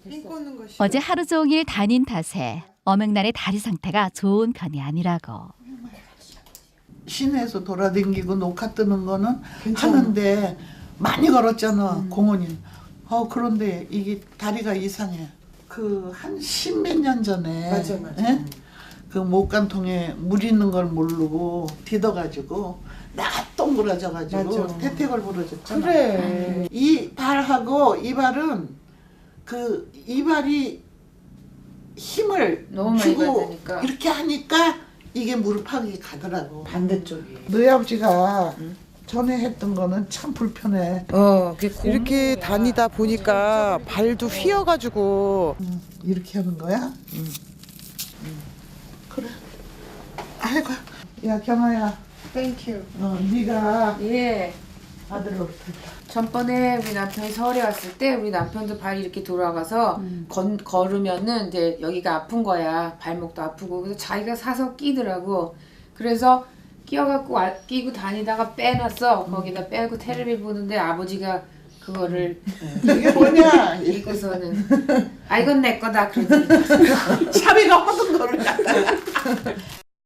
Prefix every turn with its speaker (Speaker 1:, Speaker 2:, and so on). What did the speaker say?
Speaker 1: 꽂는 거 싫어.
Speaker 2: 어제 하루 종일 다닌 탓에 어맹날의 다리 상태가 좋은 편이 아니라고.
Speaker 3: 시내에서 돌아다니고 녹화 뜨는 거는
Speaker 1: 괜찮아.
Speaker 3: 하는데 많이 걸었잖아. 공원이. 그런데 이게 다리가 이상해. 그 한 십몇 년 전에
Speaker 1: 맞아.
Speaker 3: 예? 그 목간통에 물 있는 걸 모르고 디뎌가지고 나가 동그라져가지고
Speaker 1: 맞아.
Speaker 3: 태택을 부러졌잖아.
Speaker 1: 그래.
Speaker 3: 이 발하고 이 발은 그 이발이 힘을
Speaker 4: 너무 많이
Speaker 3: 주고
Speaker 4: 받으니까.
Speaker 3: 이렇게 하니까 이게 무릎팍이 가더라고.
Speaker 1: 반대쪽이.
Speaker 3: 너희 아버지가 전에 했던 거는 참 불편해.
Speaker 1: 이렇게 다니다 보니까 발도 휘어가지고.
Speaker 3: 이렇게 하는 거야? 그래. 아이고. 야 경아야.
Speaker 4: 땡큐.
Speaker 3: 네가
Speaker 4: 예.
Speaker 3: 아들을 어떻게?
Speaker 4: 전번에 우리 남편이 서울에 왔을 때 우리 남편도 발이 이렇게 돌아가서 걸으면은 이제 여기가 아픈 거야. 발목도 아프고. 그래서 자기가 사서 끼더라고. 그래서 끼워갖고 끼고 다니다가 빼놨어. 거기다 빼고 텔레비 보는데 아버지가 그거를
Speaker 3: 이게 뭐냐?
Speaker 4: 입고서는 아 이건 내 거다 그러지.
Speaker 3: 샤비가 하던 거를 갖다가.